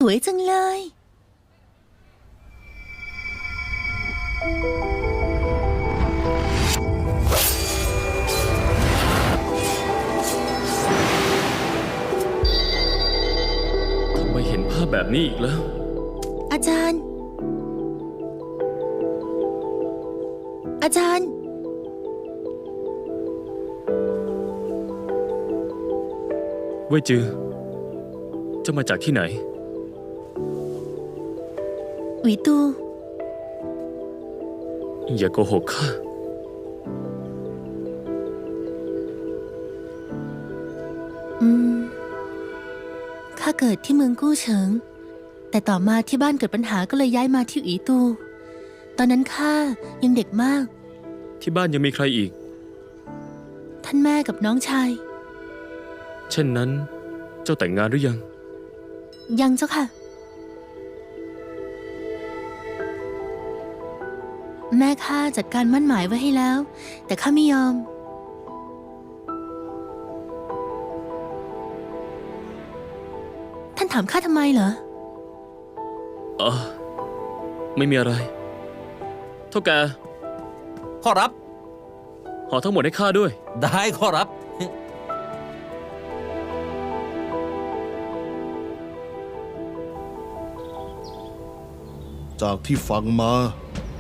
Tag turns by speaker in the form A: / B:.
A: วยจังเลย
B: ทำไมเห็นภาพแบบนี้อีกแล้ว
A: อาจารย์
B: เว่ยจือจะมาจากที่ไหน
A: หวีตู
B: อย่าโกหกข้า
A: ข้าเกิดที่เมืองกู้เฉิงแต่ต่อมาที่บ้านเกิดปัญหาก็เลยย้ายมาที่หวีตูตอนนั้นข้ายังเด็กมาก
B: ที่บ้านยังมีใครอีก
A: ท่านแม่กับน้องชาย
B: เช่นนั้นเจ้าแต่งงานหรือยัง
A: ยังเจ้าค่ะแม่ข้าจัดการมั่นหมายไว้ให้แล้วแต่ข้าไม่ยอมท่านถามข้าทำไมเหรอ
B: ไม่มีอะไรเท่าแก
C: ขอรับ
B: ห่อทั้งหมดให้ข้าด้วย
C: ได้ขอรับ
D: จากที่ฟังมา